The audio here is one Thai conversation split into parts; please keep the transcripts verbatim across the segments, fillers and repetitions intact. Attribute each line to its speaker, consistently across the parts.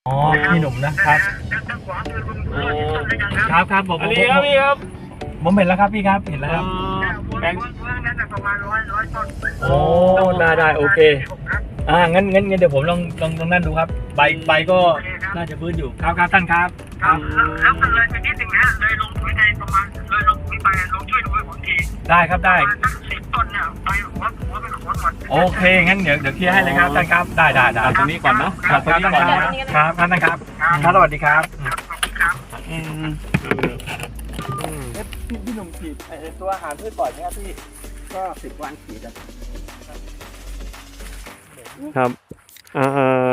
Speaker 1: อ๋อพี่หนุ่มนะครับโอ้ครับครับผม
Speaker 2: อันนี้ครับพี่ครับ
Speaker 1: ผมเห็นแล้วครับพี่ครับเห็นแล้วครับ
Speaker 2: แบงค์
Speaker 1: โอ้ได้ได้โอเคอ่างั้นงั้นงั้นเดี๋ยวผมลองลองลองนั่นดูครับใบใบก็น่าจะพื้นอยู่ครับครับท่านครับครับ
Speaker 3: แล้วก็เลยไปนิดนึงนะเลยลงปุ๋ยในประมาณเลยลงปุ๋ยไปลงช่วยดูให้ผมที
Speaker 1: ได้ครับได้
Speaker 3: สักสิบต้นเนี่ยไปหัวหัวเป็นหัวหมด
Speaker 1: โอเคงั้นเดี๋ยวเดี๋ยวเคลียร์ให้เลยครับท่านครับได้ได้ได้
Speaker 2: เอาตรงนี้ก่อนนะครับ ตรงนี้ก่อนนะครับ
Speaker 1: ครับท่านครับครับสวัสดีครับ
Speaker 3: ครับ
Speaker 2: อืม
Speaker 1: พี่พี่หนุ่มฉีดตัวอาหารพืชปล่อยไหมครับพี่
Speaker 3: ก็สิบวันขีด
Speaker 2: ครับอ่า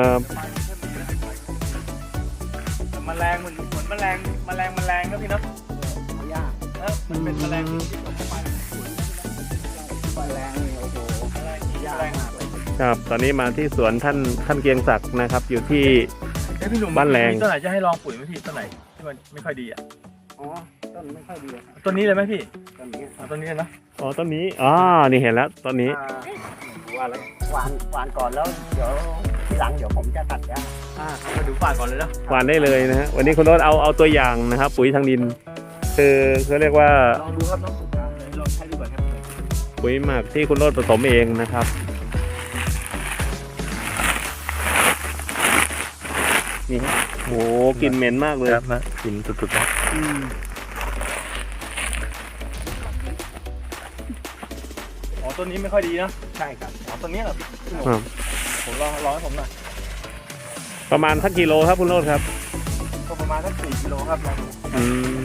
Speaker 1: แมลงมันเหมือนแมลงแมลงแมลงนะพี่เนาะ
Speaker 3: ยาก
Speaker 1: เออมันเป็นแมลงที่ตกไป
Speaker 3: ไฟแรงนี่โอ้โห
Speaker 1: แมลง
Speaker 3: ยาก
Speaker 1: แมลง
Speaker 3: มากเลย
Speaker 2: ครับตอนนี้มาที่สวนท่านท่านเกรียงศักดิ์นะครับ อยู่ที่
Speaker 1: เอ้ยพี่หนุ่ม
Speaker 2: บ้านแรง
Speaker 1: มีต้นไหนจะให้ลองปุ๋ยไหมพี่ต้นไหนที่มันไม่ค่อยดีอ่ะ
Speaker 3: อ๋อต้นไม่ค่อยดีครับ
Speaker 1: ต้นนี้เลยไหมพี่
Speaker 3: ต้นนี้
Speaker 1: เอาต้นนี้เลยเนาะ
Speaker 2: อ๋อต้นนี้อ๋อนี่เห็นแล้วต้นนี้
Speaker 3: อ่าว่าแล้วหวานหวานก่อนแล้วเดี๋ยวทีหลังเดี๋ยวผมจะตัดยา
Speaker 1: อ่าเอามาดูฝากก่อนเลยเนาะ
Speaker 2: หวานได้เลยนะฮะวันนี้คุณโรสเอาเอาตัวอย่างนะครับ ปุ๋ยทางดิน คือเขาเรียกว่า
Speaker 1: ลองดูครับน้องลองใช้ดูก่อนครับ
Speaker 2: ปุ๋ยหมักที่คุณโรสผสมเองนะครับนี่ฮะโหกลิ่นเหม็นมากเลย
Speaker 1: ครับนะกินสุดๆนะ
Speaker 2: อืม
Speaker 1: อ๋อต้นนี้ไม่ค่อยดีนะ
Speaker 3: ใช่ครับ
Speaker 1: อ๋อต้นนี้เหรอพี่
Speaker 2: ครับ
Speaker 1: ผมลองลองให้ผมหน่อย
Speaker 2: ประมาณสักกิโลครับคุณโรสครับ
Speaker 1: ก็ประมาณสักสี่กิโลครับลองดู
Speaker 2: อืม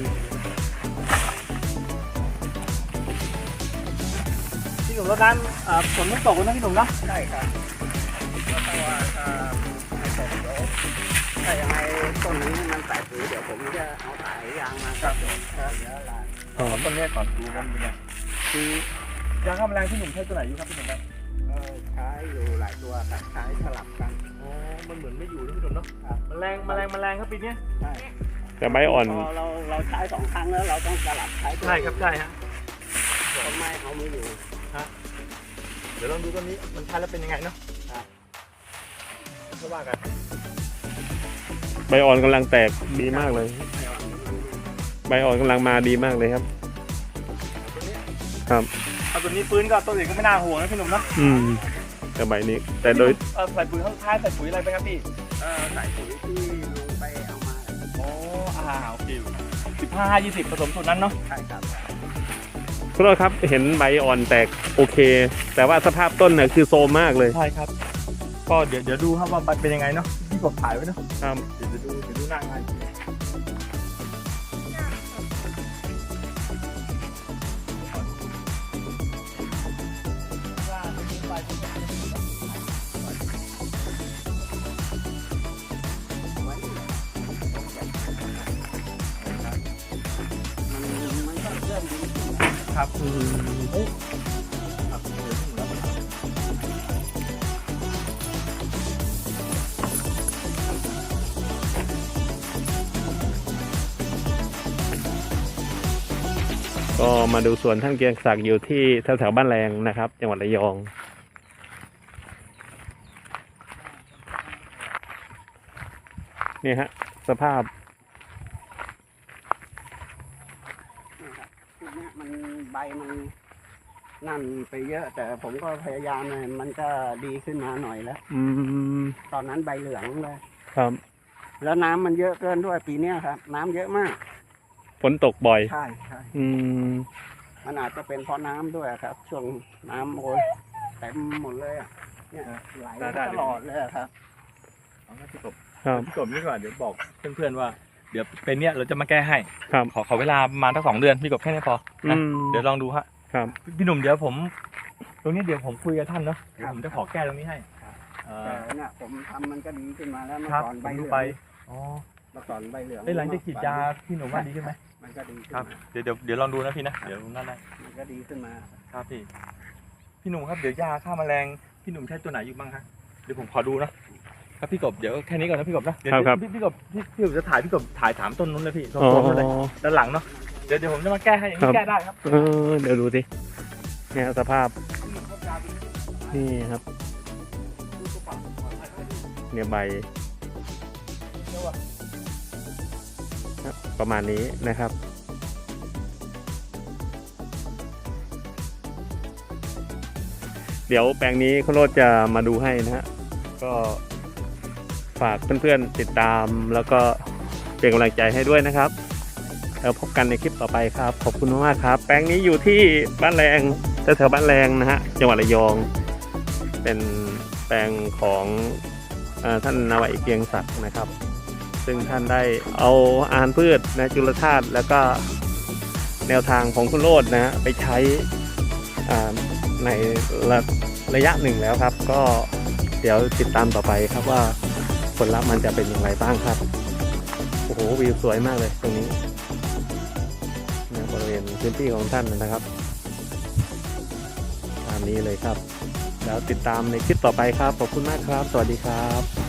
Speaker 1: พี่หนุ่มแล้วนั้นอ่าฝนไม่ตกเลยนะพี่หนุ่มนะ
Speaker 3: ใช่ครับเพราะว่าถ้าไม่ตกเดี๋ยวถ้ายังไงต้นนี้มันแตกหรือเดี๋ยวผมจะเอาสายยางมาครับเดี๋ยวเดี๋ยวลา
Speaker 1: อ๋อต้นนี้ก่อนดูมันเป็นไงคือยาฆ่าแมลงพี่หนุ่มใช้ตัวไหนอยู่ครับพี่หนุ่มครับ
Speaker 3: เออใช้อยู่หลายตัวครับใช้สลับกัน
Speaker 1: อ๋อมันเหมือนไม่อยู่นะพี่หนุ่มเนาะแมลงแมลงแมลงครับปีนี้
Speaker 3: ใช่
Speaker 2: แต่ใบอ่อน
Speaker 3: พอเราเราใช้สองครั้งแล้วเราต้องสลับใช้ตัว
Speaker 1: ใช่ครับใช่ฮะ
Speaker 3: ต้นไม้เขาไม่อยู่
Speaker 1: เดี๋ยวลองดูต้นนี้มันใช้แล้วเป็นยังไงเนาะก็ว่ากัน
Speaker 2: ใบอ่อนกำลังแตกดีมากเลย ใบอ่อนกำลังมาดีมากเลยครับ ครับ
Speaker 1: เอาตัวนี้ฟื้นก็ต้นอื่นก็ไม่น่าห่วงนะพี่หนุ่มเนาะ
Speaker 2: อืมแต่ใบนี้ แต่โดย
Speaker 1: เออใส่ปุ๋ยข้างท้ายใส่ปุ๋ยอะไรไปครับพี่
Speaker 3: เออใส่ปุ๋ยที่ลุงไปเอามา
Speaker 1: โอ้อ่าโอเคสิบห้ายี่สิบผสมสูตรนั้นเนาะ
Speaker 3: ใช่ครับ
Speaker 2: คุณโรสครับเห็นใบอ่อนแตกโอเค แต่ว่าสภาพต้นเนี่ยคือโซมมากเลย
Speaker 1: ใช่ครับก็เดี๋ยวเดี๋ยวดูครับว่ามันเป็นยังไงเนาะพี่กดถ่ายไว้เนาะ
Speaker 2: ครับ
Speaker 1: เดี๋ยวจะดูเดี๋ยวดูหน้างานครับคือเฮ้ยครับเออถึงแล้ว
Speaker 2: ก็มาดูสวนท่านเกรียงศักดิ์อยู่ที่แถวๆบ้านแรงนะครับ จังหวัดระยองนี่ฮะสภาพ
Speaker 3: ชุดเนี้ยมันใบมันนั่นไปเยอะ แต่ผมก็พยายามเลยมันก็ดีขึ้นมาหน่อยแล้ว
Speaker 2: อืม
Speaker 3: ตอนนั้นใบเหลืองเลย
Speaker 2: ครับ
Speaker 3: แล้วน้ำมันเยอะเกินด้วยปีเนี้ยครับ น้ำเยอะมาก
Speaker 2: ฝนตกบ่อย
Speaker 3: ใช่ใช่
Speaker 2: อืม
Speaker 3: มันอาจจะเป็นเพราะน้ำด้วยครับ ช่วงน้ำโอยเต็มหมดเลยอ่ะเนี่ยไหลตลอดเลยอะครับ
Speaker 1: เอาให้พี่กบ
Speaker 2: ครับ
Speaker 1: พี่กบนี่ก่อนเดี๋ยวบอกเพื่อนๆว่าเดี๋ยวเป็นเนี้ยเราจะมาแก้ให้
Speaker 2: ครับ
Speaker 1: ขอขอเวลาประมาณทั้งสองเดือนพี่กบแค่นี้พอ
Speaker 2: อื
Speaker 1: นะ
Speaker 2: ม
Speaker 1: เดี๋ยวลองดูฮะ
Speaker 2: ครับ
Speaker 1: พี่หนุ่มเดี๋ยวผม ตรงนี้เดี๋ยวผมคุยกับท่านเนาะเดี๋ยวผมจะขอแก้ตรงนี้ให้เอ
Speaker 3: แต่
Speaker 1: อ
Speaker 3: เนี่ยผมทำมันก็ดีขึ้นมาแล้วเมื่อ
Speaker 1: ครับ
Speaker 3: ก่อน
Speaker 1: ผ
Speaker 3: ใบ
Speaker 1: ม
Speaker 3: เห
Speaker 1: ดู
Speaker 3: ลือง
Speaker 1: ไปอ๋อ
Speaker 3: เมื่อก่อนใบเหลือง
Speaker 1: ไอ้ยหลังจากฉีดยาพี่หนุ่มว่าดีขึ้นไหม
Speaker 3: มันก็ดีขึ้น
Speaker 1: ครับ
Speaker 3: มา
Speaker 1: เดี๋ยวเดี๋ยวเดี๋ยวลองดูนะพี่นะเดี๋ยวนั่นได้
Speaker 3: มันก็ดีขึ้นมา
Speaker 1: ครับพี่พี่หนุ่มครับเดี๋ยวยาฆ่าแมลงพี่หนุ่มใช้ตัวไหนอยู่บ้างฮะเดี๋ยวผมขอดูนะครับพี่กบเดี๋ยวแค่นี้ก่อนนะพี่กบนะเดี๋ยว
Speaker 2: ครับครับ
Speaker 1: พี่พี่กบพี่พี่กบจะถ่ายพี่กบถ่ายถามต้นนู้นเลยพี่ต้น
Speaker 2: อ๋อ
Speaker 1: นู้นเลยด้านหลังเนาะเดี๋ยวเดี๋ยวผมจะมาแก้ให้อย่าง
Speaker 2: ครั
Speaker 1: นี้
Speaker 2: บ
Speaker 1: แก้ได้ครับ
Speaker 2: เออเดี๋ยวดูสิเนี่ยสภาพนี่ครับ เนี่ยใบ
Speaker 1: ตัว
Speaker 2: ประมาณนี้นะครับเดี๋ยวแปลงนี้คุณโรจน์จะมาดูให้นะฮะก็ฝากเพื่อนๆติดตามแล้วก็เป็นกำลังใจให้ด้วยนะครับแล้วพบกันในคลิปต่อไปครับขอบคุณมากๆครับแปลงนี้อยู่ที่บ้านแรงแถวๆบ้านแรงนะฮะจังหวัดระยองเป็นแปลงของเอ่อท่านนาวาเอกเกรียงศักดิ์นะครับซึ่งท่านได้เอาอาหารพืชนะจุลธาตุแล้วก็แนวทางของคุณโรจน์นะฮะไปใช้อ่าในระระยะหนึ่งแล้วครับก็เดี๋ยวติดตามต่อไปครับว่าผลลัพธ์มันจะเป็นอย่างไรบ้างครับโอ้โหวิวสวยมากเลยตรงนี้นะบริเวณพื้นที่ของท่านนะครับตามนี้เลยครับแล้วติดตามในคลิปต่อไปครับขอบคุณมากครับสวัสดีครับ